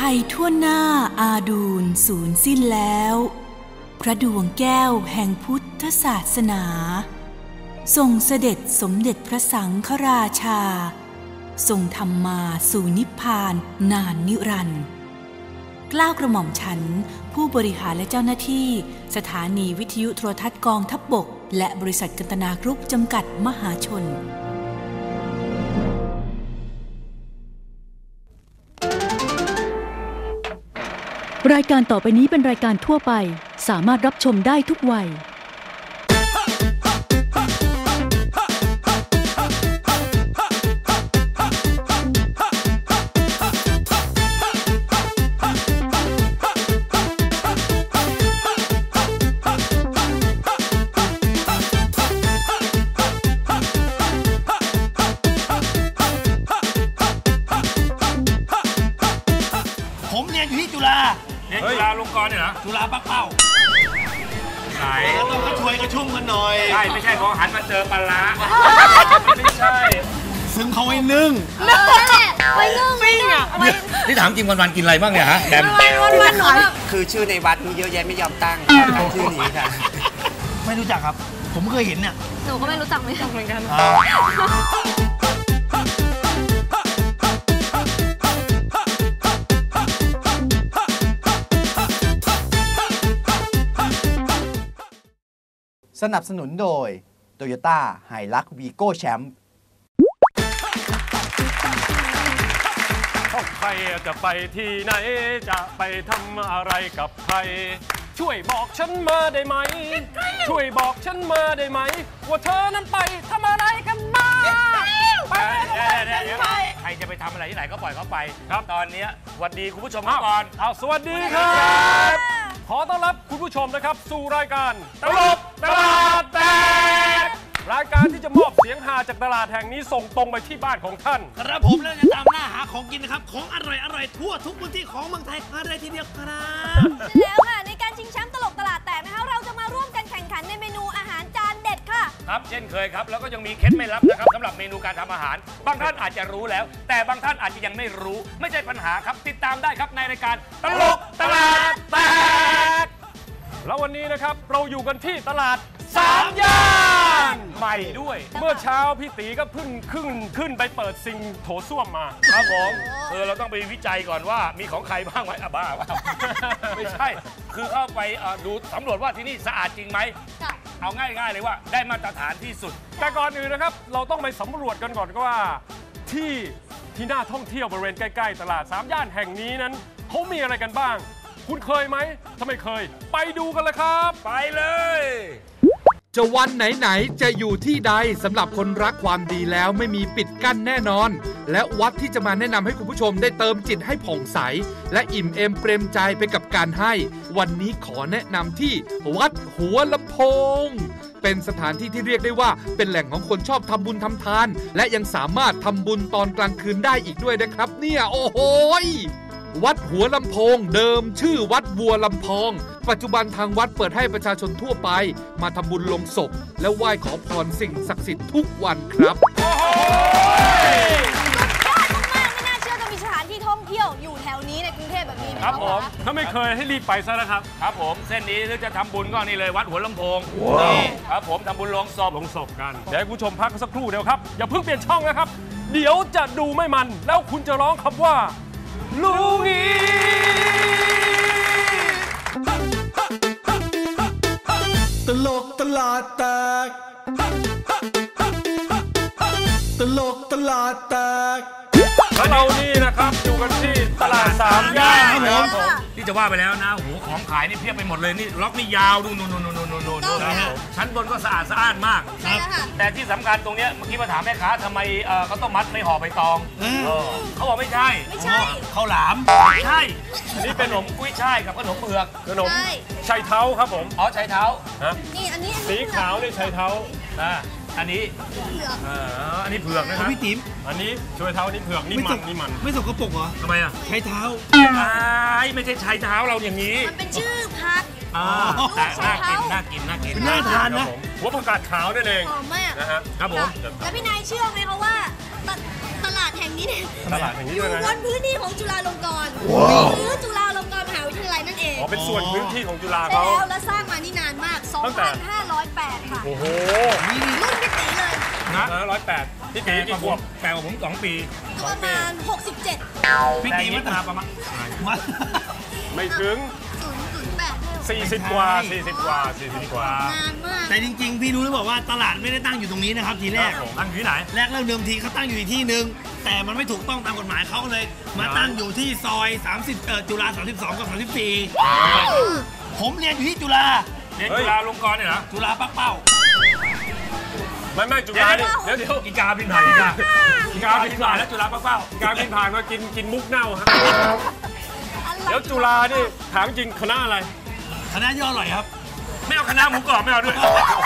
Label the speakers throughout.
Speaker 1: ภัยทั่วหน้าอาดูลสูญสิ้นแล้วพระดวงแก้วแห่งพุทธศาสนาทรงเสด็จสมเด็จพระสังฆราชาทรงทำมาสู่นิพพานนานนิรันดร์เกล้ากระหม่อมฉันผู้บริหารและเจ้าหน้าที่สถานีวิทยุโทรทัศน์กองทัพบกและบริษัทกันตนากรุ๊ปจำกัดมหาชน
Speaker 2: รายการต่อไปนี้เป็นรายการทั่วไปสามารถรับชมได้ทุกวัย
Speaker 3: ผมเรียนอยู่ที่จุฬาเรียนจุฬาลงกรณ์เนี่ยเหรอจุฬาปักเป้าไหนต้องมาช่วยกระชุ่มกันหน่อยใช่ไม่ใช่พอหันมาเจอปลาร้าไม่ใช่ซึ่งเขาไว้นึ่ง
Speaker 4: ไปนึ่งปิ้งอ่ะ
Speaker 3: นี่ถามจริงวันๆกินอะไรบ้างเนี่ยฮะแดม
Speaker 4: วันๆหน่อย
Speaker 5: คือชื่อในวัดมีเยอะแยะไม่ยอมตั้งชื่อนี้ค่ะ
Speaker 3: ไม่รู้จักครับผมเคยเห็นเนี่ย
Speaker 4: หนูก็ไม่รู้จักเหมือนกัน
Speaker 6: สนับสนุนโดย Toyota Hilux Vigo Champ
Speaker 7: ใครจะไปที่ไหนจะไปทำอะไรกับใครช่วยบอกฉันมาได้ไหมช่วยบอกฉันมาได้ไหมว่าเธอนั้นไปทำอะไรกันมาไป
Speaker 3: ใครจะไปทำอะไรที่ไหนก็ปล่อยเขาไปครับตอนนี้สวัสดีคุณผู้ชมก่อน
Speaker 7: สวัสดีครับขอต้อนรับคุณผู้ชมนะครับสู่รายการตลกตลาดแตกรายการที่จะมอบเสียงฮาจากตลาดแห่งนี้ส่งตรงไปที่บ้านของท่าน
Speaker 3: ครับผมแล้วจะตามหน้าหาของกินนะครับของอร่อยทั่วทุกพื้นที่ของเมืองไทยอะไรทีเดียวครับ
Speaker 4: แล้วค่ะในการชิงแชมป์ตลกตลาดแตกนะคะเราจะมาร่วมกันแข่งขันในเมนูอาหารจานเด็ดค่ะ
Speaker 3: ครับเช่นเคยครับแล้วก็ยังมีเคล็ดไม่ลับนะครับสำหรับเมนูการทำอาหารบางท่านอาจจะรู้แล้วแต่บางท่านอาจจะยังไม่รู้ไม่ใช่ปัญหาครับติดตามได้ครับในรายการตลกตลาดแตก
Speaker 7: แล้ววันนี้นะครับเราอยู่กันที่ตลาด3 ย่านใหม่ด้วยเมื่อเช้าพี่ตีก็เพิ่งขึ้นไปเปิดซิงโถส้วมมา
Speaker 3: ครับผมเราต้องไปวิจัยก่อนว่ามีของใครบ้างไหมบ้าไม่ใช่คือเข้าไปดูสำรวจว่าที่นี่สะอาดจริงไหมเอาง่ายๆเลยว่าได้มาตรฐานที่สุด
Speaker 7: แต่ก่อนอื่นนะครับเราต้องไปสำรวจกันก่อนว่าที่น่าท่องเที่ยวบริเวณใกล้ๆตลาด3 ย่านแห่งนี้นั้นเขามีอะไรกันบ้างคุณเคยไหมถ้าไม่เคยไปดูกันเลยครับ
Speaker 3: ไปเลย
Speaker 8: จะวันไหนๆจะอยู่ที่ใดสำหรับคนรักความดีแล้วไม่มีปิดกั้นแน่นอนและวัดที่จะมาแนะนำให้คุณผู้ชมได้เติมจิตให้ผ่องใสและอิ่มเอมเปรมใจไปกับการให้วันนี้ขอแนะนำที่วัดหัวลำโพงเป็นสถานที่ที่เรียกได้ว่าเป็นแหล่งของคนชอบทำบุญทำทานและยังสามารถทำบุญตอนกลางคืนได้อีกด้วยนะครับเนี่ยโอ้โหวัดหัวลำโพงเดิมชื่อวัดบัวลำพองปัจจุบันทางวัดเปิดให้ประชาชนทั่วไปมาทำบุญลงศพและไหว้ขอพรสิ่งศักดิ์สิทธิ์ทุกวันครับ
Speaker 4: สุดยอดมากๆไม่น่าเชื่อจะมีสถานที่ท่องเที่ยวอยู่แถวนี้ในกรุงเทพแบบนี้
Speaker 7: ครับผมถ้าไม่เคยให้รีบไปซะนะครับ
Speaker 3: ครับผมเส้นนี้ถ้าจะทำบุญก็นี่เลยวัดหัวลำโพงนี่ครับผมทำบุญลงศพ
Speaker 7: กันเดี๋ยวให้คุณผู้ชมพักสักครู่เดียวครับอย่าเพิ่งเปลี่ยนช่องนะครับเดี๋ยวจะดูไม่มันแล้วคุณจะร้องคำว่าลูงี
Speaker 9: ตลกตลาดแตกตลกตลาดแตก
Speaker 7: แล้วเรานี่นะครับอยู่กันที่ตลาด3 ย่านครับผม
Speaker 3: ที่จะว่าไปแล้วนะโหของขายนี่เพียบไปหมดเลยนี่ล็อกนี่ยาวดูนู่นชั้นบนก็สะอาดสะอ้านมากแต่ที่สำคัญตรงเนี้ยเมื่อกี้มาถามแม่ค้าทำไมเขาต้องมัดไม่ห่อใบตองเขาบอกไม่ใช่ข้าวหลามไม่ใช่นี่เป็นขนมกุ้ยช่ายกับขนมเผือก
Speaker 7: ขนมชัยเท้าครับผม
Speaker 3: ชัยเท้า
Speaker 4: นี่อันนี้
Speaker 7: สีขาวนี่ชัยเท้า
Speaker 3: อันนี้อันนี้เผือกนะครับ
Speaker 9: พี่ติ๋ม
Speaker 7: อันนี้ช่วยเท้านี่เผือกนี่มัน
Speaker 9: ไม่สกปรกเหรอ
Speaker 3: ทำไม
Speaker 9: ใช้เท้า
Speaker 3: ไม่ใช่ใช้เท้าเราอย่างนี้
Speaker 4: มันเป็นชื่อพัก
Speaker 3: แต่น่ากิน
Speaker 9: น่าทานนะ
Speaker 7: หัวผักกาดขาวนั่นเอง
Speaker 4: หอมมาก
Speaker 3: นะฮะครับผม
Speaker 4: แล้วพี่นายเชื่อไหมคะว่าตลาดแห่งนี้เนี่ย
Speaker 7: ตลาดแห่งนี้
Speaker 4: อยู่
Speaker 7: ด้วยนะ
Speaker 4: บนพื้นที่ของจุฬาลงกรณ์หรือจุฬาลงกรณ์มหาวิทยาลัยนั่นเอง
Speaker 7: อ๋อเป็นส่วนพื้นที่ของจุฬา
Speaker 4: ใช่
Speaker 7: เขา
Speaker 4: แล้วและสร้างมานี่นานมาก
Speaker 7: ตั้งแต่
Speaker 4: 2,508 ค่ะ
Speaker 7: โอ้โห
Speaker 4: รุ่นพี่ตีเลย
Speaker 3: นะ
Speaker 7: 108พี่ตีกี่ขวบ
Speaker 3: แปลว่าผม2 ปี
Speaker 4: ก็ประมาณ 67
Speaker 3: พี่ตีมันมาประมาณ
Speaker 7: ไม่ถึง
Speaker 4: 008
Speaker 7: 40 กว่า 40 กว่า 40 กว่า
Speaker 4: นานมาก
Speaker 10: แต่จริงๆ พี่รู้หรือเปล่าว่าตลาดไม่ได้ตั้งอยู่ตรงนี้นะครับทีแรก
Speaker 3: ตั้งอยู่ที่ไหน
Speaker 10: แรกเริ่มเดิมทีเขาตั้งอยู่อีกที่หนึ่งแต่มันไม่ถูกต้องตามกฎหมายเขาเลย มาตั้งอยู่ที่ซอย30จุฬา32 กับ 34 ผมเรียนอยู่ที่จุฬา
Speaker 3: เรียนจุฬาลงกรณ์เนี่ยเหรอ
Speaker 10: จุฬาปักเป้า
Speaker 7: ไม่จุฬาเนี่ยเดี๋ยว
Speaker 3: อีกาบินผ่านอีกาบินผ่านแล้วจุฬาเป้า
Speaker 7: การบินผ่านมากินมุกเน่าฮะเดี๋ยวจุฬานี่ถามจริงคณะอะไร
Speaker 10: คณะย่ออร่อยครับ
Speaker 3: ไม่เอาคณะหมูกรอบไม่เอาด้วย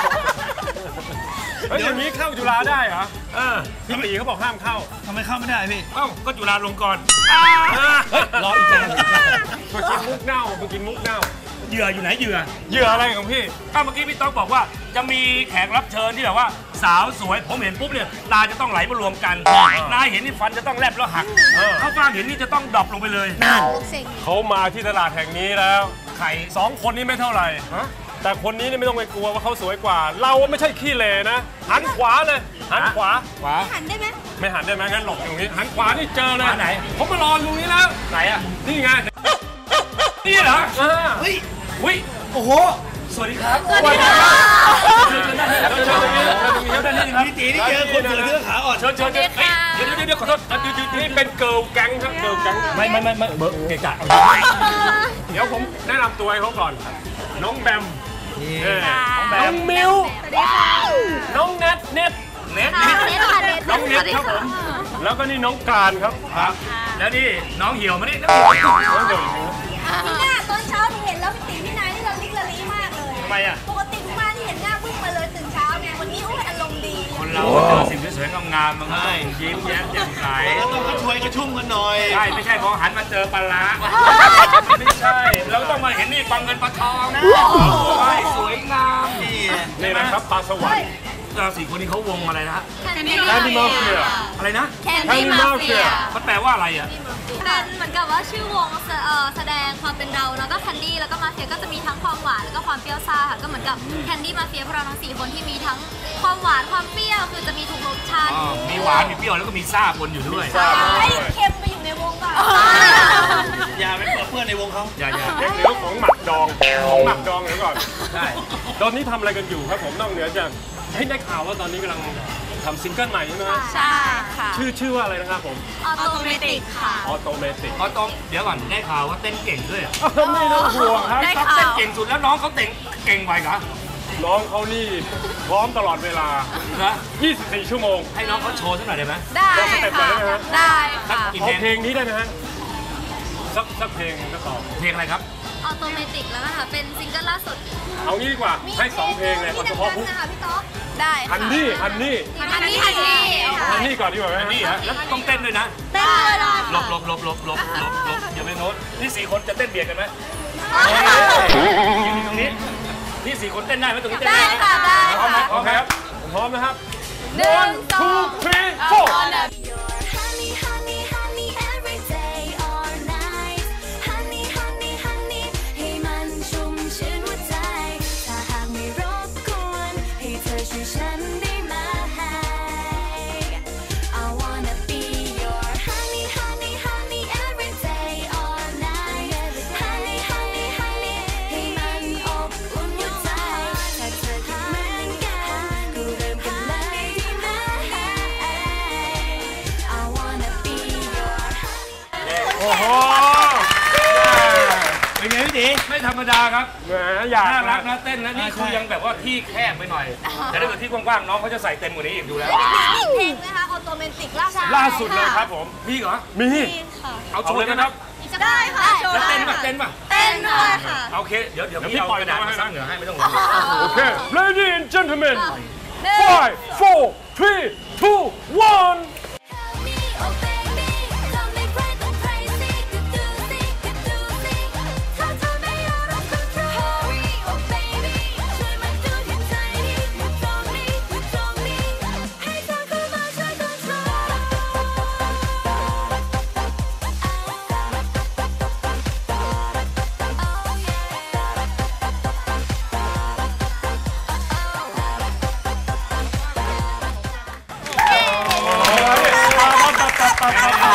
Speaker 7: เฮ้ยอย่างนี้เข้าจุฬาได้เหรอพี่ตีเขาบอกห้ามเข้า
Speaker 10: ทำไมเข้าไม่ได้พี่
Speaker 3: เอ้าก็จุฬาลงกรณ์
Speaker 10: รออีกจาน
Speaker 7: มากินมุกเน่ามากินมุกเน่า
Speaker 3: เหยื่ออยู่ไหนเหยื่อ
Speaker 7: เหยื่ออะไรของพี่
Speaker 3: ก็เมื่อกี้พี่ต๊อกบอกว่าจะมีแขกรับเชิญที่แบบว่าสาวสวยผมเห็นปุ๊บเนี่ยตาจะต้องไหลมารวมกันนายเห็นนี่ฟันจะต้องแลบแล้วหักเข้าฟางเห็นนี่จะต้องดรอปลงไปเลย
Speaker 7: เขามาที่ตลาดแห่งนี้แล้ว
Speaker 3: ไข่
Speaker 7: 2 คนนี้ไม่เท่าไหร่แต่คนนี้นี่ไม่ต้องไปกลัวว่าเขาสวยกว่า เราไม่ใช่ขี้เหร่นะ หันขวาเลยหันขวา
Speaker 4: หันได้ไหม
Speaker 7: ไม่หันได้ไหมงั้นหลบอยู่ตรงนี้หันขวานี่เจอเลย
Speaker 3: ไหน
Speaker 7: ผมมารออยู่นี้แล้ว
Speaker 3: ไหนอ่ะ
Speaker 7: นี่ไง
Speaker 3: นี่เหรอ
Speaker 10: เฮ้ย
Speaker 3: อุ้ย
Speaker 10: โอ้โห
Speaker 3: สวัสดีครับ
Speaker 4: สวัสดีค่ะ
Speaker 3: เชิญด้านนี้ครับเชิญด้านนี้ครับด้านนี้ครับ
Speaker 10: พี่ตีนี่เจอคนเสือเสื้อขาอ่อน
Speaker 3: เชิญเดี๋ยวขอโทษ
Speaker 7: นี่เป็นเกิร์ลแก๊งครับเกิร์ลแก๊ง
Speaker 3: ไม่เบอร์เกะกะ
Speaker 7: เดี๋ยวผมแนะนำตัวให้เขาก่อน น้องแบม น้องมิว
Speaker 4: สวัสดีค่ะ
Speaker 7: น้องเน็ต
Speaker 3: เน็ต
Speaker 7: น้องเน็ตครับผม แล้วก็นี่น้องการครับ
Speaker 3: แล้วนี่น้องเหี่ยวมานี่
Speaker 4: พี่หน้าตอนเช้าที่เห็นแล้วพี่ตีพี่นายนี่เราลิกละลีมากเลย
Speaker 3: ทำไมอ่ะ
Speaker 4: ปกติทุกมาที่เห็นหน้าบึ้งมาเลยตื่นเช้าไงวันนี้อารมณ์ดี
Speaker 3: คนเราเจอสิ่งสวยๆงามๆมันก็ต้องยิ้มแย้มแจ่มใส
Speaker 10: ต้องกระช่วยกระชุ่มกันหน่อย
Speaker 3: ใช่ไม่ใช่พอหันมาเจอปลาร้าไม่ใช่ เราต้องมาเห็นนี่ปลาเงินปลาทองนะสวยงาม
Speaker 7: นี่นะครับปลาสวรรค์
Speaker 3: เรา4 คนนี้เขาวงอะไรนะฮะ
Speaker 7: แคนดี้มาเฟีย
Speaker 3: อะไรนะ
Speaker 4: แคนดี้มาเฟีย
Speaker 3: มันแปลว่าอะไรอ่ะ
Speaker 11: เป็นเหมือนกับว่าชื่อวงแสดงความเป็นเราแล้วก็แคนดี้แล้วก็มาเฟียก็จะมีทั้งความหวานแล้วก็ความเปรี้ยวซ่าค่ะก็เหมือนกับแคนดี้มาเฟียพวกเราทั้ง4 คนที่มีทั้งความหวานความเปรี้ยวคือจะมีทุกรสชาติ
Speaker 3: มีหวานมีเปรี้ยวแล้วก็มีซ่าปนอยู่ด้วย
Speaker 4: ไอ้เค็มไปอยู่ในวงก่อน
Speaker 10: อย่าไปเพื่อนในวงเขา
Speaker 3: อย่า
Speaker 7: เรื่องของหมักดองเดี๋ยวก่อน
Speaker 3: ใช่
Speaker 7: ตอนนี้ทำอะไรกันอยู่ครับผมนอกเหนือจากได้ข่าวว่าตอนนี้กำลังทำซิงเกิลใหม่ใช่ไหมฮะ
Speaker 11: ใช่ค่ะ
Speaker 7: ชื่อว่าอะไรนะครับผม
Speaker 11: ออโตเมติกค่ะ
Speaker 7: ออโตเมติก
Speaker 3: เขาต้องเดี๋ยวก่อนได้ข่าวว่าเต้นเก่งด้วย
Speaker 7: ไม่ต้องห่วงครับ
Speaker 11: ได้
Speaker 3: ต้อง
Speaker 11: ข่า
Speaker 3: เต้น
Speaker 11: ว
Speaker 3: เก่งสุดแล้วน้องเขาเต้นเก่งไปเหรอ
Speaker 7: น้องเขานี่พร้อมตลอดเวลา
Speaker 3: นะ
Speaker 7: 24 ชั่วโมง
Speaker 3: ให้น้องเขาโชว์สักหน่อยได้ไหม
Speaker 11: ได้
Speaker 7: ลองสเต็ปหน่อยได้ไหมฮะ
Speaker 11: ได้ค่ะ
Speaker 3: กี่
Speaker 7: ขอ
Speaker 3: เพลง
Speaker 7: เพลงนี้ได้ไหมฮะสักเพลงก็ตอบ
Speaker 3: เพลงอะไรครับ
Speaker 11: ออโตเมติกแล้วนะคะเป็นซิงเกิลล่าสุด
Speaker 7: เอางี้ดีกว่าให้2เพลงเลยเอาเฉพาะพุก
Speaker 4: นะคะพี่ต๊อก
Speaker 11: ได้ค่ะ
Speaker 7: ฮันนี่
Speaker 11: ฮันนี่
Speaker 7: ก่อนดีกว่าไหม
Speaker 3: นี่ฮะแล้วต้องเต้นด้วยนะ
Speaker 4: เต้นเลยเหรอ
Speaker 3: หลบอย่าไปโน้ตนี่4 คนจะเต้นเบียดกันไหมยืนตรงนี้นี่4 คนเต้นได้ไหมตรงนี้เต้น
Speaker 11: ได้
Speaker 3: ได้
Speaker 11: ค่ะได้
Speaker 7: พร้อมไหม
Speaker 11: ค่ะ
Speaker 7: พร้อมครับผมพร้อมนะครับ
Speaker 11: 1 2
Speaker 7: 2 3 4
Speaker 11: Honey, honey, honey, every day or night. Honey, honey, honey, ให้มันชุ่มชื่นหัวใจ ถ้าหากไม่รบกวนให้เธอช่วยฉันได้ไหม I wanna be your honey, honey, honey, every day or night. Honey, honey, honey, ให้มันอบอุ่นหัวใจ ถ้าเธอคิดเหมือนกันก็เริ่มกันเลยดีไหม I wanna be your
Speaker 3: โอ้โห
Speaker 10: เป็นไงพี่ตี
Speaker 3: ไม่ธรรมดาครับ
Speaker 7: แหมอยาก
Speaker 3: น่ารักนะเต้นนะนี่คือยังแบบว่าที่แคบไปหน่อย แต่ถ้าเกิดที่กว้างๆน้องเขาจะใส่เต็มกว่านี้อีกดูแล้ว
Speaker 4: มีเพลงนะคะออโตเมติกล่าสุด
Speaker 7: ล่าสุดเลยครับผม
Speaker 3: มีเหรอ
Speaker 7: มี
Speaker 3: เอาโชว์เลยนะครับ
Speaker 4: ได้ค่ะโชว์
Speaker 3: แล้ว
Speaker 4: ได้
Speaker 3: เต้นป่ะเต้นป่ะ
Speaker 4: เต้นด้วยค่ะ
Speaker 3: โอเคเดี๋ยวพี่เอากระดาษมาซักเหนือให้ไม่ต้องห่วง
Speaker 7: โอเค Ladies and gentlemen 5 4 3 2 1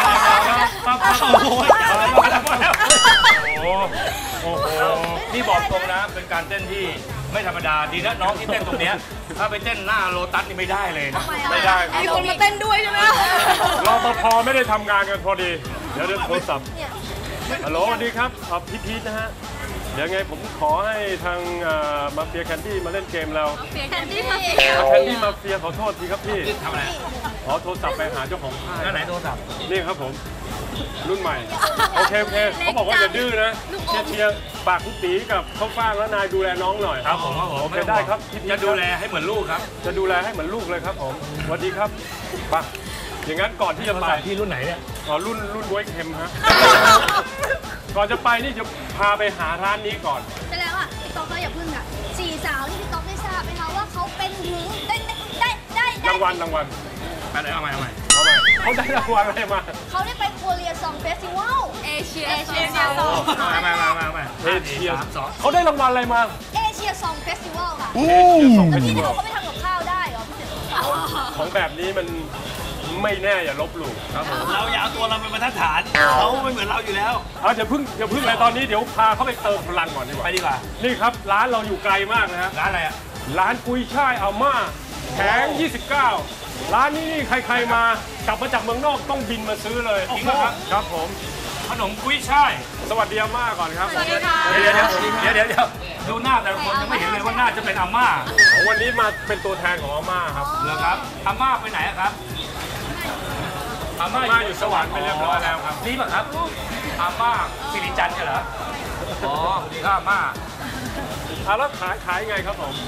Speaker 3: โอ้โหนี่บอกตรงนะเป็นการเต้นที่ไม่ธรรมดาดีนะน้องที่เต้นตรงเนี้ยถ้าไปเต้นหน้าโลตัสนี่ไม่ได้เลยนะไม่ได้
Speaker 4: มีคนมาเต้นด้วยใช่ไหม
Speaker 7: รปภไม่ได้ทำงานกันพอดีเดี๋ยวโทรศัพท์ฮัลโหลสวัสดีครับพี่พีทนะฮะเดี๋ยวไงผมขอให้ทางมาเฟียแคนดี้มาเล่นเกมเรา
Speaker 4: แคนดี้มา
Speaker 7: เฟียขอโทษทีครับพี่
Speaker 3: ทำอะไร
Speaker 7: ขอโทรศัพท์ไปหาเจ้าของค่าย
Speaker 3: ไหนโทรศัพท์
Speaker 7: นี่ครับผมรุ่นใหม่โอเคเขาบอกว่าอย่าดื้อนะเชียร์ฝากคุณตีกับข้าวฟ่างแล้วนายดูแลน้องหน่อย
Speaker 3: ครับผม
Speaker 7: โอเคได้ครับ
Speaker 3: จะดูแลให้เหมือนลูกครับ
Speaker 7: จะดูแลให้เหมือนลูกเลยครับผมสวัสดีครับไปอย่างนั้นก่อนที่จะไป
Speaker 3: ที่รุ่นไหนเนี่ย
Speaker 7: รุ่นบ๊วยเค็มฮะก่อนจะไปนี่จะพาไปหาร้านนี้ก่อน
Speaker 4: ใช่แล้วอ่ะพี่ต๊อกก็อย่าพึ่งอ่ะ4 สาวที่พี่ต๊อกได้ทราบไหมคะว่าเขาเป็นถึงได้
Speaker 7: รางวัล
Speaker 3: ไปเลยเอาใหม่
Speaker 7: เขาได้รางวัลอะไรมา
Speaker 4: เขาได้ไปโคเรียซองเฟสติวัลเอเชียซอง
Speaker 3: มา
Speaker 7: เอเชียเขาได้รางวัลอะไรมา
Speaker 4: เอเชียซองเฟสติวัลค่ะแล้วพี่เขาไม่ทำกับข้าวได้เหรอพี่เต๋อ
Speaker 7: ของแบบนี้มันไม่แน่อย่าลบหลู่ครับผม
Speaker 10: เราอย่าเอาตัวเราเป็นบรรทัดฐานเขาไม่เหมือนเราอยู่แล้ว
Speaker 7: อย่าพึ่งเลยตอนนี้เดี๋ยวพาเขาไปเติมพลังก่อนดีกว่า
Speaker 3: ไปดีกว่า
Speaker 7: นี่ครับร้านเราอยู่ไกลมากนะฮะ
Speaker 3: ร้านอะไรอ่ะ
Speaker 7: ร้านกุ้ยช่ายอาม่าแผง29ร้านนี้ใครๆมากลับมาจากเมืองนอกต้องบินมาซื้อเลยจริงครับครับผม
Speaker 3: ขนมกุ้ยช่าย
Speaker 7: สวัสดีอาม่าก่อนครับ
Speaker 4: สวัสดีค่ะ
Speaker 3: เดี๋ยวดูหน้าแต่ละคนยังไม่เห็นเลยว่าน่าจะเป็นอาม่า
Speaker 7: วันนี้มาเป็นตัวแทนของอาม่าครับ
Speaker 3: เหรอครับอาม่าไปไหนครับอาม่าอยู่สวรรค์ไปเรียบร้อยแล้วครับนี่ป่ะครับอาม่าสิริจันทร์เหรออ๋อสวัสดีครับอาม่า
Speaker 7: แล้วขายไงครับผม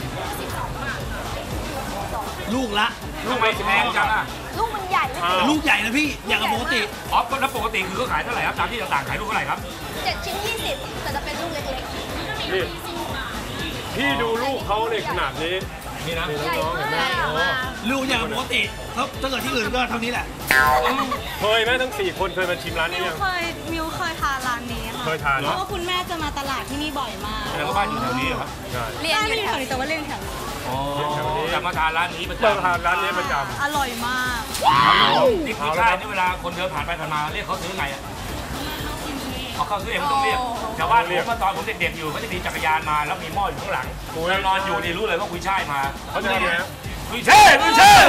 Speaker 10: ลูก
Speaker 3: ไม่แพงจังอ่ะ
Speaker 4: ลูกมันใหญ่
Speaker 10: ลูกใหญ่นะพี่อย่างกับปกติ
Speaker 3: แล้วปกติคือเขาขายเท่าไหร่ครับตามที่ต่างๆขายลูกเท่าไหร่ครับ
Speaker 4: 7 ชิ้น 20แต่จะเป็นลูกเล็กๆ
Speaker 7: นี่พี่ดูลูกเขาในขนาดนี้
Speaker 3: นี่นะ
Speaker 7: น้องเห็นไหม
Speaker 10: ลูกอย่างปกติถ้าเกิดที่อื่นก็เท่านี้แหละ
Speaker 7: เคยไหมทั้ง4 คนเคยมาชิมร้านนี้ยัง
Speaker 11: มิวเคยทานร้านนี้ค่ะ
Speaker 7: เคยทาน
Speaker 11: เพราะว่าคุณแม่จะมาตลาดที่นี่บ่อยมาก
Speaker 3: แล้วก็บ้านอยู่แถวนี้ครับ
Speaker 11: เรียนอยู่แถวนี้แต่ว่าเรียนแถวนี้
Speaker 3: จะมาทานร้านนี้ประจำ
Speaker 7: ทานร้านนี้ประจำ
Speaker 11: อร่อยมาก
Speaker 3: นี่คือใช่นี่เวลาคนเดินผ่านไปผ่านมาเรียกเขาซื้อไงอ่ะเขาซื้อเองไม่ต้องเรียกชาวบ้านเรียกว่าตอนผมเด็กๆอยู่เขาจะมีจักรยานมาแล้วมีหม้ออยู่ข้างหลังแล้วนอนอยู่นี่รู้เลยว่ากุยช่ายมา
Speaker 7: เขาจะเรียก
Speaker 3: กุยช่าย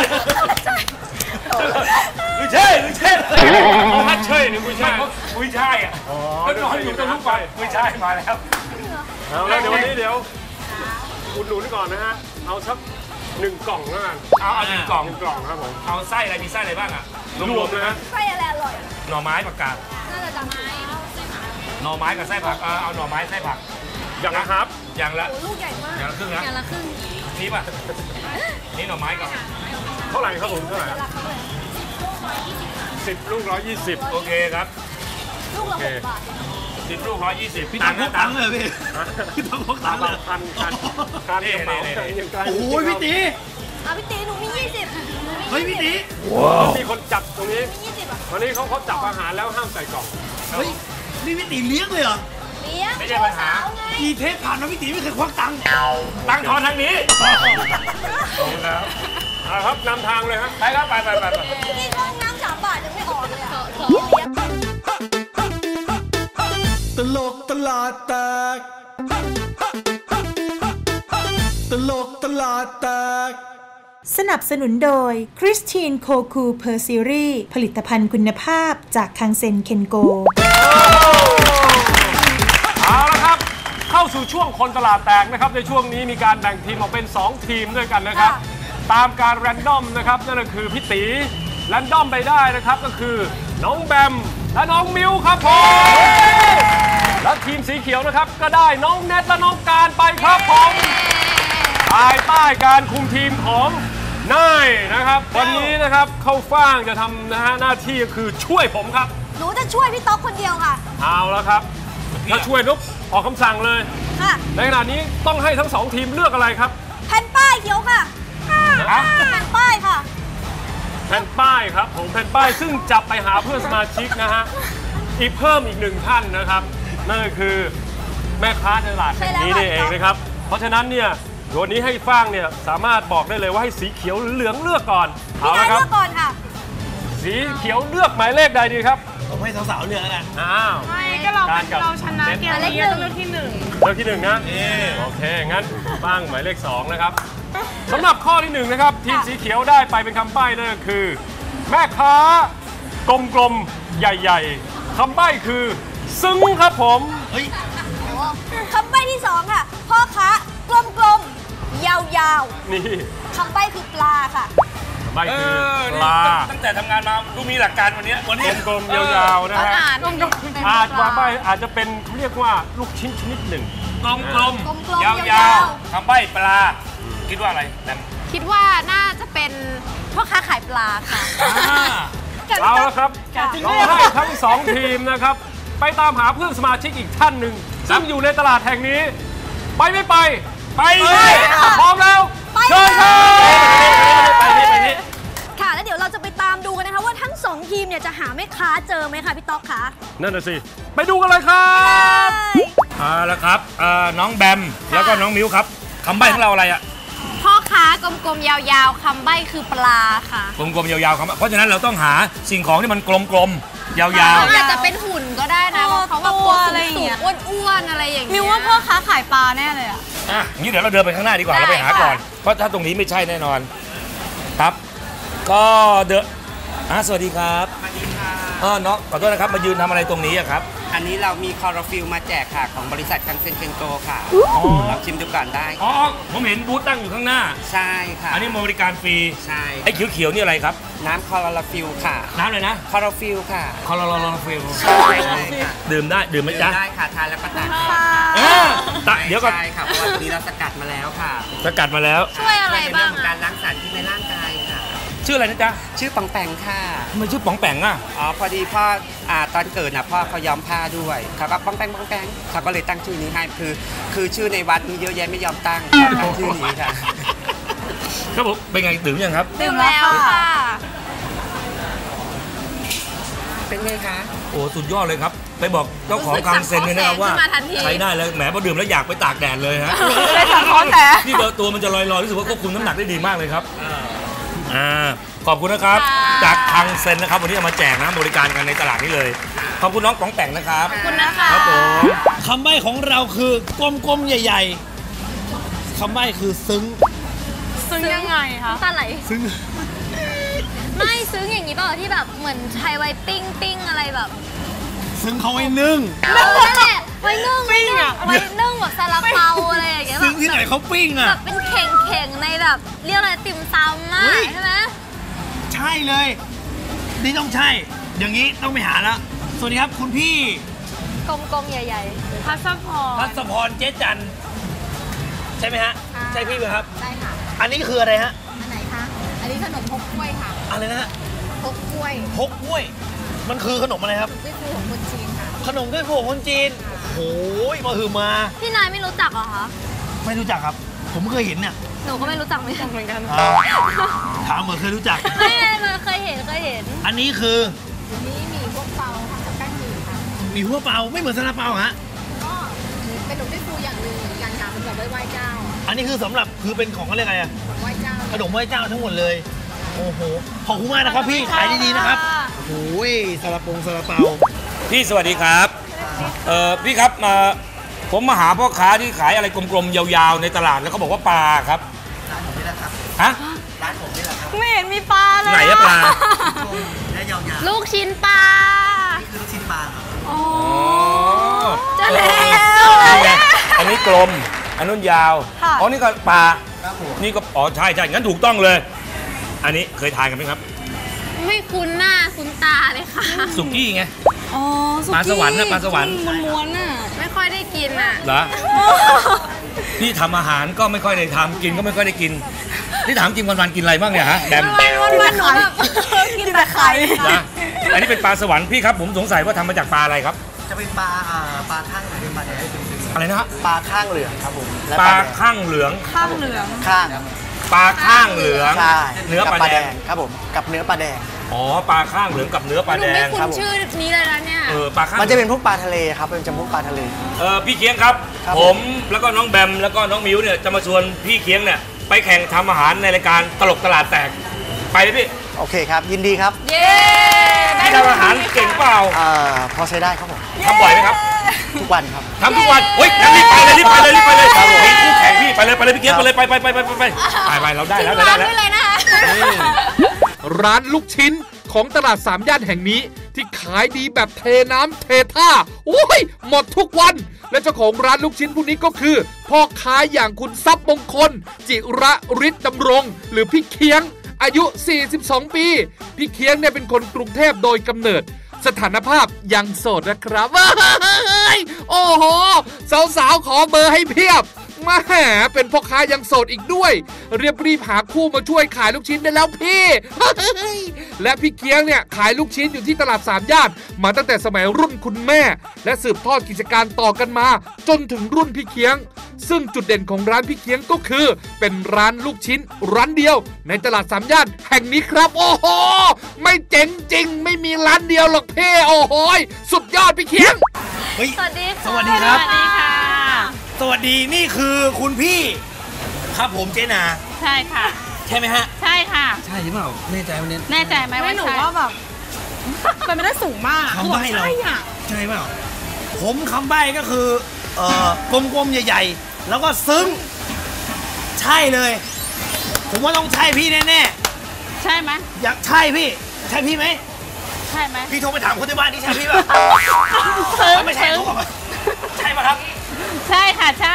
Speaker 7: เขาฮัทเชยหรือกุยช่าย
Speaker 3: อ่ะก็นอนอยู่ตรงนู้นไปกุยช่ายมาแล้ว
Speaker 7: แล้วเดี๋ยววันนี้อุดหนุนก่อนนะฮะเอาสัก1 กล่องแล้วกัน
Speaker 3: เอา1 กล่อง
Speaker 7: ครับผม
Speaker 3: เอาไส้อะไรมีไส้อะไรบ้างอ่ะ
Speaker 7: รวมเลยนะ
Speaker 4: ไส้อะไรอร่อย
Speaker 3: หน่อไม้ผักกาด
Speaker 4: น่าจะจำไม้
Speaker 3: หน่อไม้กับไส้ผักเอาหน่อไม้ไส้ผัก
Speaker 7: อย่างละครับ
Speaker 3: อย่างละ
Speaker 4: ลูกใหญ่มาก
Speaker 3: อย่างละครึ่งนะ
Speaker 4: อย่างละครึ่ง
Speaker 3: นี่ป่ะนี่หน่อไม้ก่อน
Speaker 7: เท่าไหร่ครับผมเท่าไหร่10 ลูก120
Speaker 3: โอเคครับ
Speaker 4: ลูกละ6 บาท
Speaker 3: 10 ลูก120
Speaker 10: พี่ต้องพกตังค์เลยพี่ต้องพกตังค์เลย
Speaker 7: คัน
Speaker 3: นี่
Speaker 10: โอ้ยพี่ตี
Speaker 4: พี่ตีหนูมี20
Speaker 10: เฮ้ยพี่ตี
Speaker 7: มีคนจับตรงนี้วันนี้เขาจับอาหารแล้วห้ามใส่กล่อง
Speaker 10: เฮ้ยนี่พี่ตีเลี้ยงเลยเหรอ
Speaker 4: เลี้ยง
Speaker 3: ไม่ใช่ปัญหา
Speaker 10: กี่เทปผ่านมาพี่ตีไม่เคยควักตังค์
Speaker 3: ทอนทางนี้
Speaker 7: แล้วครับนำทางเลยครับ
Speaker 3: ไปครับไป
Speaker 4: นี่ก็น้ำ3 บาทยังไม่ออกเลย
Speaker 9: ตลกตลาดแตกตลกตลาดแตก
Speaker 1: สนับสนุนโดยคริสตินโคคูเพอร์ซีรีส์ผลิตภัณฑ์คุณภาพจากคังเซ็นเคนโก
Speaker 7: เอาละครับเข้าสู่ช่วงคนตลาดแตกนะครับในช่วงนี้มีการแบ่งทีมออกเป็น2 ทีมด้วยกันนะครับตามการแรนดอมนะครับนั่นก็คือพี่ตีแรนดอมไปได้นะครับก็คือน้องแบมและน้องมิวครับผมและทีมสีเขียวนะครับก็ได้น้องเนทและน้องการไปครับผมภายใต้การคุมทีมของนายนะครับวันนี้นะครับเข้าฟ่างจะทำนะฮะหน้าที่ก็คือช่วยผมครับ
Speaker 4: หนูจะช่วยพี่ต๊อกคนเดียวค่ะ
Speaker 7: เอาแล้วครับถ้าช่วยนุ๊กออกคำสั่งเลย
Speaker 4: ค่ะ
Speaker 7: ในขณะนี้ต้องให้ทั้ง2 ทีมเลือกอะไรครับ
Speaker 4: แผ่นป้ายเขียวค่ะแผ่นป้ายค่ะ
Speaker 7: แผ่นป้ายครับผมแผ่นป้ายซึ่งจับไปหาเพื่อนสมาชิกนะฮะเพิ่มอีก1 ท่านนะครับนั่นก็คือแม่ค้าในตลาดแห่งนี้นี่เองนะครับเพราะฉะนั้นเนี่ยวันนี้ให้ฟ่างเนี่ยสามารถบอกได้เลยว่าให้สีเขียวหรือเหลืองเลือกก่อน
Speaker 4: เอาละครับเลือกก่อนค่ะ
Speaker 7: สีสีเขียวเลือกหมายเลขใดดีครับ
Speaker 10: ผมให้สาวๆเลือกแล้วกัน
Speaker 7: อ้าว
Speaker 12: ไม่ก็เราชนะเกมนี้ต้องเลือกที่หนึ่ง
Speaker 7: เลือกที่1นะโอเคงั้นตั้งหมายเลข2นะครับสำหรับข้อที่1นะครับทีมสีเขียวได้ไปเป็นคำใบ้นั่นก็คือ แม่ค้ากลมๆใหญ่ๆคำใบ้คือซึ้งครับผมเฮ้ย
Speaker 4: คำใบ้ที่ 2 ค่ะ พ่อค้ากลมๆ ยาวๆ
Speaker 7: นี่
Speaker 4: คำใบ้คือปลาค่ะ
Speaker 7: คำใบ้คือปลา
Speaker 3: ตั้งแต่ทำงานมาดูมีหลักการวันนี้
Speaker 7: กลมๆยาวๆนะฮะ อาจว่าใบอาจจะเป็นเขาเรียกว่าลูกชิ้นชนิดหนึ่ง
Speaker 3: กลมๆยาวๆคำใบ้ปลาคิดว่าอะไรแบม
Speaker 12: คิดว่าน่าจะเป็นพ่อค้าขายปลาค่ะ
Speaker 7: เอาละครับเราให้ทั้ง2ทีมนะครับไปตามหาเพื่อนสมาชิกอีกท่านหนึ่งซึ่งอยู่ในตลาดแห่งนี้ไปไม่ไปไปเลยพร้อมแล้วเชิญครับไปนี่
Speaker 4: ค่ะ แล้วเดี๋ยวเราจะไปตามดูกันนะคะว่าทั้ง 2 ทีมเนี่ยจะหาแม่ค้าเจอไหมคะพี่ต๊อกคะ
Speaker 7: นั่นน่ะสิไปดูกันเลยครับ
Speaker 3: เอาละครับน้องแบมแล้วก็น้องมิ้วครับคำใบ้ของเราอะไรอะ
Speaker 12: พ่อค้ากลมๆยาวๆคำใบ้คือปลาค่ะ
Speaker 3: กลมๆยาวๆครับเพราะฉะนั้นเราต้องหาสิ่งของที่มันกลมๆยาวๆ
Speaker 12: อาจจะเป็นหุ่นก็ได้นะเพราะเขาแบบตัวสูงๆอ้วนๆอะไรอย่างเงี้ยมิวว่าพ่อค้าขายปลาแน่เลยอ่ะ
Speaker 3: งี้เดี๋ยวเราเดินไปข้างหน้าดีกว่าเราไปหาก่อนเพราะถ้าตรงนี้ไม่ใช่แน่นอนครับก็สวัสดีครับสวัสดีค่ะน้องขอโทษนะครับมายืนทำอะไรตรงนี้อะครับ
Speaker 5: อันนี้เรามีคอร์ฟิลมาแจกค่ะของบริษัทคังเซ็นเคนโกค่ะลองชิมดูก่อนได้
Speaker 3: อ๋อผมเห็นบูธตั้งอยู่ข้างหน้า
Speaker 5: ใช่ค่ะ
Speaker 3: อันนี้บริการฟรี
Speaker 5: ใช่
Speaker 3: ไอ้เขียวๆนี่อะไรครับ
Speaker 5: น้ำคอร์ฟิลค่ะ
Speaker 3: น้ำเลยนะ
Speaker 5: คอร์ฟิลค่ะ
Speaker 3: คอร์ฟิล
Speaker 5: ใช่ค่ะ
Speaker 3: ดื่มได้ดื่มไหมจ๊ะ
Speaker 5: ได้ค่ะทานแล้วก็ตัก
Speaker 3: เดี๋ยวก่อน
Speaker 5: ใช่ค่ะเพราะว่าตัวนี้เราสกัดมาแล้วค่ะ
Speaker 3: สกัดมาแล้ว
Speaker 12: ช่วยอะไรบ้าง
Speaker 5: การล้างสารพิษในร่างกายค่ะ
Speaker 3: ชื่ออะไรนะจ๊ะ
Speaker 5: ชื่อป๋องแปงค่ะ
Speaker 3: ทำไมชื่อป๋องแปงอ่ะ
Speaker 5: อ๋อพอดีพ่อตอนเกิดนะพ่อเขาย้อมผ้าด้วยเขาก็ป๋องแปงเขาก็เลยตั้งชื่อนี้ให้คือชื่อในวัดมีเยอะแยะไม่ยอมตั้งชื่อนี้ค่ะ
Speaker 3: ครับผมเป็นไงดื่มยังครับ
Speaker 12: ดื่มแล้วค่ะ
Speaker 5: เป็นไงคะ
Speaker 3: โอ้สุดยอดเลยครับไปบอกเจ้าของคังเซ็นเลยนะครับว่าใช้ได้เลยแหมพอดื่มแล้วอยากไปตากแดดเลยฮะนี่เบอร์ตัวมันจะลอยๆรู้สึกว่าควบคุมน้ำหนักได้ดีมากเลยครับขอบคุณนะครับจากคังเซ็นนะครับวันนี้เอามาแจกนะบริการกันในตลาดนี้เลยขอบคุณน้องป๋องแปงนะครับ
Speaker 12: ขอบคุณนะคะ
Speaker 3: ครับผม
Speaker 10: คำใบ้ของเราคือกลมๆใหญ่ๆคำใบ้คือซึ้ง
Speaker 12: ยังไงคะตาไหล
Speaker 10: ซึ้ง
Speaker 12: ไม่ซึ้งอย่างนี้เปล่าที่แบบเหมือนใช้ไว้ปิ้งอะไรแบบ
Speaker 10: ซึ้งเขาไว้นึ่ง
Speaker 12: นั่นแหละไว้นึ่งไว้นึ่งแบบซาลาเปาอะไรอย่างเงี้ย
Speaker 10: ซึ้งที่ไหนเขาปิ้งอ่ะ
Speaker 12: แบบเป็นเข่งในแบบเรียกอะไรติ่มซำมากใช่ไหม
Speaker 10: ใช่เลยนี่ต้องใช่อย่างนี้ต้องไปหาแล้วสวัสดีครับคุณพี่
Speaker 12: กลมๆใหญ่ๆพัส
Speaker 10: พรเจ๊จันใช่ไหมฮะใช่พี่ไหมครับ
Speaker 12: ใช่ค่ะ
Speaker 10: อันนี้คืออะไรฮะ
Speaker 12: อันไหนคะอันนี้ขนมฮกกล้วยค่ะ
Speaker 10: อะไรนะฮะ
Speaker 12: ฮกกล้วย
Speaker 10: มันคือขนมอะไรครับ
Speaker 12: ด้วยฟูของคนจีนค่ะ
Speaker 10: ขนมด้วยฟูของคนจีนโอ้ยมาหือมา
Speaker 12: พี่นายไม่รู้จักเหรอคะ
Speaker 10: ไม่รู้จักครับผมเคยเห็นเนี่ย
Speaker 12: หนูก็ไม่รู้จักเหมือนกัน
Speaker 10: ถามเหมือนเคยรู้จัก
Speaker 12: ไม่เคยเห็น
Speaker 10: อันนี้คือ
Speaker 12: นี่หมี่พวกเปาทำจากแป้งหมี่ค่ะ
Speaker 10: หมี่พวกเปาไม่เหมือนซาลาเปาฮะ
Speaker 12: ก็เป็นขนมด้วยฟูอย่างหนึ่งเหมือนกันค่ะเป็นแบบไหว้เจ้า
Speaker 10: อันนี้คือสำหรับคือเป็นของอะไรอะ
Speaker 12: ไหว้เจ้า
Speaker 10: ขนมไหว้เจ้าทั้งหมดเลยโอ้โหขอบคุณมากนะครับพี่ขายดีๆนะครับโอ้ยซาลาเปา
Speaker 3: พี่สวัสดีครับพี่ครับผมมาหาพ่อค้าที่ขายอะไรกลมๆยาวๆในตลาดแล้วเขาบอกว่าปลาครับ
Speaker 5: ร้านผมนี่แหละครับ
Speaker 3: ฮะ
Speaker 5: ร้านผมนี่แหละครับ
Speaker 12: ไม่เห็นมีปลาเลย
Speaker 3: ไหนอะปลา
Speaker 5: และยาว
Speaker 12: ๆลูกชิ้นปลา
Speaker 5: นี่คือลูกชิ้นปลาครับ
Speaker 12: อ๋อจะแล้ว
Speaker 3: อันนี้กลมอันนู้นยาวอ๋อนี่ก็ปลานี่ก็อ๋อใช่งั้นถูกต้องเลยอันนี้เคยทานกันไหมครับ
Speaker 12: ไม่คุ้นหน้าคุ้นตาเลยค่ะ
Speaker 3: สุกี้ไง
Speaker 12: อ๋อ
Speaker 3: ปลาสวรรค์นะปลาสวรรค์
Speaker 12: ม้วนๆน่ะไม่ค่อยได้กินอ่ะ
Speaker 3: เหรอพี่ทำอาหารก็ไม่ค่อยได้ทำกินก็ไม่ค่อยได้กินนี่ถามจริงวันๆกินอะไรบ้างเนี่ยฮะแดม
Speaker 12: วันๆหนูแบบกินแต่ไข่
Speaker 3: อันนี้เป็นปลาสวรรค์พี่ครับผมสงสัยว่าทำมาจากปลาอะไรครับ
Speaker 5: จะเป็นปลาข้างเหลืองปลาแดง
Speaker 3: อะไรนะฮะ
Speaker 5: ปลาข้างเหลืองครับผม
Speaker 3: ปลาข้างเหลือง
Speaker 5: ข้าง
Speaker 3: ปลาข้างเหลืองเนื้อปลาแดง
Speaker 5: ครับผมกับเนื้อปลาแดง
Speaker 3: อ๋อปลาข้างเหลืองกับเนื้อปลาแดง
Speaker 12: ครับชื่อนี้เลยนะเนี่ย
Speaker 3: ปลาข้าง
Speaker 5: มันจะเป็นพวกปลาทะเลครับเป็นจำพวกปลาทะเล
Speaker 3: พี่เคียงครับผมแล้วก็น้องแบมแล้วก็น้องมิวเนี่ยจะมาชวนพี่เคียงเนี่ยไปแข่งทำอาหารในรายการตลกตลาดแตกไปเลยพี่
Speaker 6: โอเคครับ ยินดีครับ
Speaker 4: เย้
Speaker 3: พี่ทำอาหารเก่งเปล่า
Speaker 6: พอใช้ได้ครับผม
Speaker 3: ทำบ่อยไหมครับ
Speaker 6: ทุกวันครับ
Speaker 3: ทำทุกวันเฮ้ยงั้นรีบไปเลยครับผมคู่แข่งพี่ไปเลยพี่เกียร์ไปเลยไปเราได้แล้ว
Speaker 4: ร้านด้วยเลยนะคะ
Speaker 8: ร้านลูกชิ้นของตลาดสามย่านแห่งนี้ที่ขายดีแบบเทน้ำเทท่าโอ้ยหมดทุกวันและเจ้าของร้านลูกชิ้นผู้นี้ก็คือพ่อค้าอย่างคุณทรัพย์มงคลจิระฤทธิ์ดำรงหรือพี่เคียงอายุ42ปีพี่เคียงเนี่ยเป็นคนกรุงเทพโดยกำเนิดสถานภาพยังโสดนะครับโอ้โหสาวๆขอเบอร์ให้เพียบมาแหมเป็นพ่อค้ายังโสดอีกด้วยรีบหาคู่มาช่วยขายลูกชิ้นได้แล้วพี่ และพี่เคียงเนี่ยขายลูกชิ้นอยู่ที่ตลาดสามย่านมาตั้งแต่สมัยรุ่นคุณแม่และสืบทอดกิจการต่อกันมาจนถึงรุ่นพี่เคียงซึ่งจุดเด่นของร้านพี่เคียงก็คือเป็นร้านลูกชิ้นร้านเดียวในตลาดสามย่านแห่งนี้ครับโอ้โหไม่เจ๋งจริงไม่มีร้านเดียวหรอกพี่โอ้โหสุดยอดพี่เคียง
Speaker 4: สวัสดี
Speaker 10: สวัสดีครับ สวัสดีนี่คือคุณพี่ครับผมเจนา
Speaker 12: ใช่ค่ะ
Speaker 10: ใช่ไหมฮะ
Speaker 12: ใช่ค่ะ
Speaker 10: ใช่หรือเปล่าแน่ใจไหมเนี่ย
Speaker 12: แน่ใจไหมว่าหนูว่าแบบเป็นไม่ได้สูงมาก
Speaker 10: คำใบ้เราใช่เปล่าผมคำใบ้ก็คือกลมๆใหญ่ๆแล้วก็ซึ้งใช่เลยผมว่าต้องใช่พี่แน่ๆ
Speaker 12: ใช่ไหม
Speaker 10: อยากใช่พี่ใช่พี่ไหม
Speaker 12: ใช่ไหม
Speaker 10: พี่โทรไปถามคนที่บ้านนี่ใช่พี่ป่ะไม่ใช่โทรมาใช่ป่ะครับ
Speaker 12: ใช่ค่ะใช่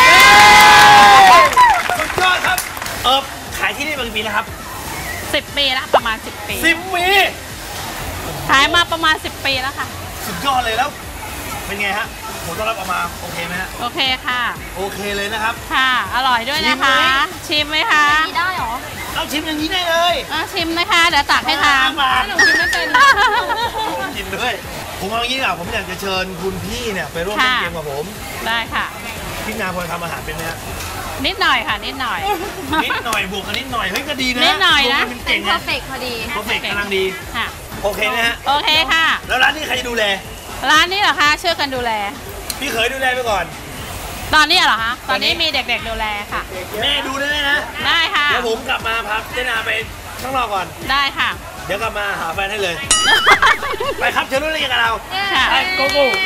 Speaker 10: สุดยอดครับขายที่นี่มากี่ปีแล้วครับ
Speaker 12: 10 ปีแล้วประมาณ10 ปี
Speaker 10: 10 ปี
Speaker 12: ขายมาประมาณ10 ปีแล้วค่ะ
Speaker 10: สุดยอดเลยแล้วเป็นไงฮะผมต้อนรับออกมาโอเคไหมฮะ
Speaker 12: โอเคค่ะ
Speaker 10: โอเคเลยนะครับ
Speaker 12: ค่ะอร่อยด้วยนะคะชิมไหมคะ
Speaker 4: ได้หรอ
Speaker 10: เราชิมอย่างนี้ได้เลย
Speaker 12: ชิมนะคะเดี๋ยวตักให้ทานหนูชิมไม่เป็น
Speaker 10: กินด้วยผมเอาอย่างนี้ดีกว่าผมอยากจะเชิญคุณพี่เนี่ยไปร่วมเล่นเกมกับผม
Speaker 12: ได้ค่ะ
Speaker 10: พี่นาพอทำอาหารเป็นไหมฮะ
Speaker 12: นิดหน่อยค่ะนิดหน่อย
Speaker 10: บวกกันนิดหน่อยเฮ้ยก็ดีนะ
Speaker 12: นิดหน่อยนะ
Speaker 10: เป็นเก่งนะ
Speaker 4: เพอร์เฟกต์พอดี
Speaker 10: เพอร์เฟกต์กำลังดี
Speaker 12: ค่ะ
Speaker 10: โอเคนะฮะ
Speaker 12: โอเคค่ะ
Speaker 10: แล้วร้านนี้ใครดูแล
Speaker 12: ร้านนี้เหรอคะช่วยกันดูแล
Speaker 10: พี่เคยดูแลไปก่อน
Speaker 12: ตอนนี้เหรอคะตอนนี้มีเด็กๆดูแลค่ะ
Speaker 10: แม่ดูได้นะ
Speaker 12: ได้ค่ะ
Speaker 10: เดี๋ยวผมกลับมาพักเจนาไปข้างนอกก่อน
Speaker 12: ได้ค่ะ
Speaker 10: เดี๋ยวกลับมาหาแฟนให้เลยไปครับเชิญร่วมเล่นกับเรา
Speaker 12: ไป
Speaker 10: โกโก้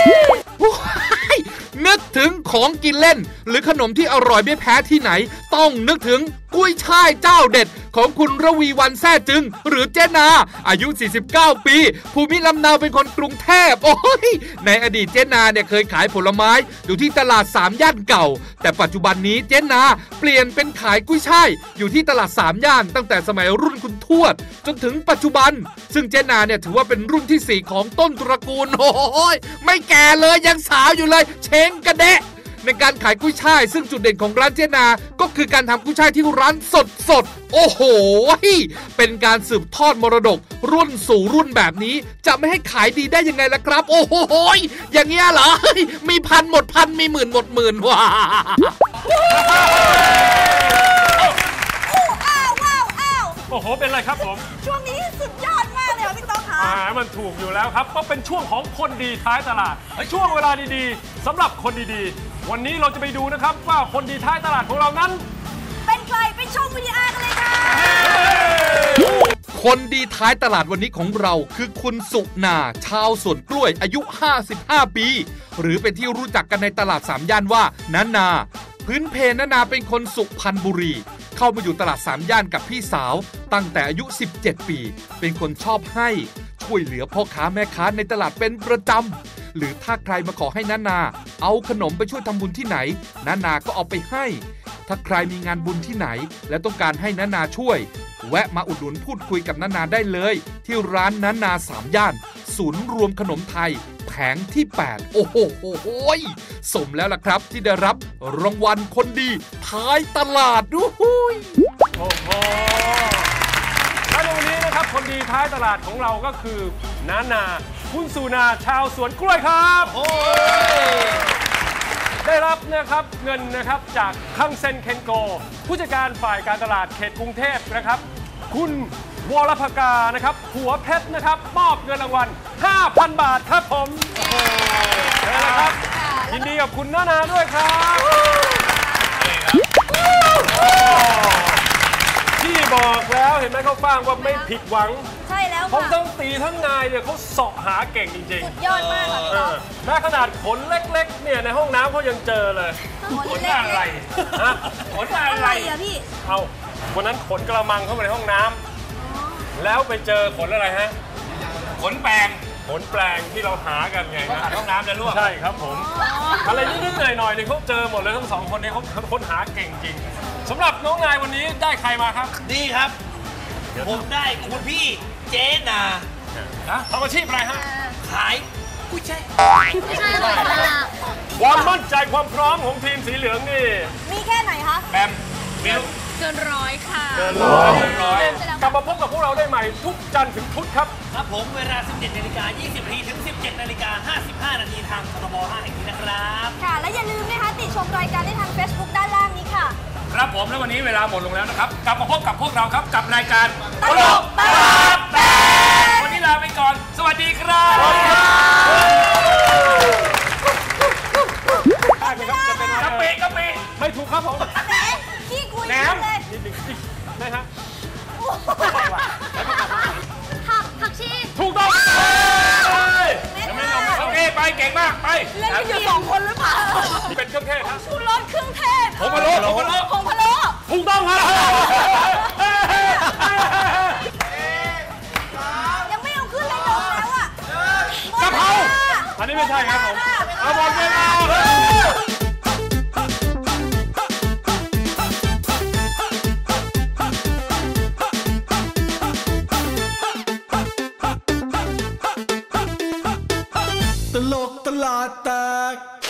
Speaker 8: นึกถึงของกินเล่นหรือขนมที่อร่อยไม่แพ้ที่ไหนต้องนึกถึงกุ้ยช่ายเจ้าเด็ดของคุณระวีวรรณแซ่จึงหรือเจนาอายุ49ปีภูมิลำเนาเป็นคนกรุงเทพโอ้ยในอดีตเจนาเนี่ยเคยขายผลไม้อยู่ที่ตลาด3ย่านเก่าแต่ปัจจุบันนี้เจนาเปลี่ยนเป็นขายกุ้ยช่ายอยู่ที่ตลาด3ย่านตั้งแต่สมัยรุ่นคุณทวดจนถึงปัจจุบันซึ่งเจนาเนี่ยถือว่าเป็นรุ่นที่4ของต้นตระกูลโอ้ยไม่แก่เลยยังสาวอยู่เลยเช้งกระเดะในการขายกุ้ยช่ายซึ่งจุดเด่นของร้านเจนาก็คือการทำกุ้ยช่ายที่ร้านสดโอ้โหเป็นการสืบทอดมรดกรุ่นสู่รุ่นแบบนี้จะไม่ให้ขายดีได้ยังไงล่ะครับโอ้โหอย่างเงี้ยเหรอมีพันหมดพันมีหมื่นหมดหมื่นว้า
Speaker 7: โอ้โหเป็นไรครับผม
Speaker 4: ช่วงนี้สุดยอดมากเลยค่ะพี่ต๊อกค่ะ
Speaker 7: มันถูกอยู่แล้วครับก็เป็นช่วงของคนดีท้ายตลาดช่วงเวลาดีๆสำหรับคนดีๆวันนี้เราจะไปดูนะครับว่าคนดีท้ายตลาดของเรานั้น
Speaker 4: เป็นใครไปชมวิดีโอกันเลยค่ะ
Speaker 8: คนดีท้ายตลาดวันนี้ของเราคือคุณสุนาชาวสวนกล้วยอายุ55ปีหรือเป็นที่รู้จักกันในตลาด3ย่านว่านาพื้นเพนาเป็นคนสุพรรณบุรีเข้ามาอยู่ตลาด3ย่านกับพี่สาวตั้งแต่อายุ17ปีเป็นคนชอบให้ช่วยเหลือพ่อค้าแม่ค้าในตลาดเป็นประจำหรือถ้าใครมาขอให้นาเอาขนมไปช่วยทำบุญที่ไหนนาก็เอาไปให้ถ้าใครมีงานบุญที่ไหนและต้องการให้นาช่วยแวะมาอุดหนุนพูดคุยกับนาได้เลยที่ร้านนา3ย่านศูนย์รวมขนมไทยแผงที่8โอ้โหสมแล้วล่ะครับที่ได้รับรางวัลคนดีท้ายตลาดด้วย
Speaker 7: โอ้โหและในวันนี้นะครับคนดีท้ายตลาดของเราก็คือนาคุณสุนาชาวสวนกล้วยครับได้รับนะครับเงินนะครับจากคังเซ็นเคนโกผู้จัดการฝ่ายการตลาดเขตกรุงเทพนะครับคุณวรภกานะครับหัวเพชรนะครับมอบเงินรางวัล 5,000 บาทครับผมเชิญนะครับยินดีกับคุณนาด้วยครับพี่บอกแล้วเห็นไหมเขาฟังว่าไม่ผิดหวัง
Speaker 4: ใช่แล้ว
Speaker 7: เขา
Speaker 4: ค่ะ
Speaker 7: ทั้งตีทั้งนายเนี่ยเขาเสาะหาเก่งจริง
Speaker 4: สุดยอดมากค่ะพี่ต๊อก
Speaker 7: แม้ขนาดขนเล็กๆเนี่ยในห้องน้ำเขายังเจอเลย
Speaker 3: ขนอะไรฮะขนอะไร
Speaker 4: อะพี่
Speaker 7: เอาวันนั้นขนกระมังเข้ามาในห้องน้ำแล้วไปเจอขนอะไรฮะ
Speaker 3: ขนแปลง
Speaker 7: ขนแปลงที่เราหากันไง
Speaker 3: ขัดห้องน้ำจะลวก
Speaker 7: ใช่ครับผม อะไรนิดๆหน่อยๆเนี่ยเขาเจอหมดเลยทั้งสองคนนี้เขาค้นหาเก่งจริงสำหรับน้องนายวันนี้ได้ใครมาครับ
Speaker 10: ดีครับ ผมได้คุณพี่เจนา
Speaker 7: ทำอาชีพอะไรฮะ
Speaker 10: ขายกุ้ยช่าย
Speaker 12: ไม่ใช่ค่ะ
Speaker 7: ความมั่นใจความพร้อมของทีมสีเหลืองนี่
Speaker 4: มีแค่ไหนคะ
Speaker 3: แบมมิว
Speaker 12: เกินร้อยค่ะ
Speaker 7: เกินร้อยกลับมาพบกับพวกเราได้ใหม่ทุกจันทร์ถึงพุธครับ
Speaker 10: ครับผมเวลา 17:20 น. ถึง 17:55 น. ทางทบ5แห่งนี้นะครับ
Speaker 4: ค่ะ และอย่าลืมนะคะติชมรายการได้ทาง Facebook ด้านล่างนี้ค่ะ
Speaker 3: ครับผมแล้ววันนี้เวลาหมดลงแล้วนะครับ กลับมาพบกับพวกเราครับกับรายการตลกตลาดแตกวันนี้ลาไปก่อน สวัสดีครับ
Speaker 7: ได้ไหมครับจะเป็น
Speaker 3: กะปิกะปิ
Speaker 7: ไม่ถูกครับผม
Speaker 4: แหมขี้คุย
Speaker 3: แหนม
Speaker 4: เลย
Speaker 7: ได้ฮะ
Speaker 12: ผักชี
Speaker 7: ถูกต้อง
Speaker 3: ยังไม่ลงโอเคไปเก่งมากไป
Speaker 4: เล่นกันอยู่2 คนหรือเปล่า
Speaker 7: เป็นเครื่องเทศครับ
Speaker 4: ชูรสเครื่องเทศ
Speaker 3: ผงพะโล้ผงพะโล้
Speaker 4: ผงพะโล้
Speaker 7: ถูกต้องครับ
Speaker 4: ยังไม่เอาขึ้นเลยลงแล้วอ่ะ
Speaker 3: กะเพรา
Speaker 7: อันนี้ไม่ใช่ครับผมเอาบอลเวลา
Speaker 9: ตลกตลาดแตก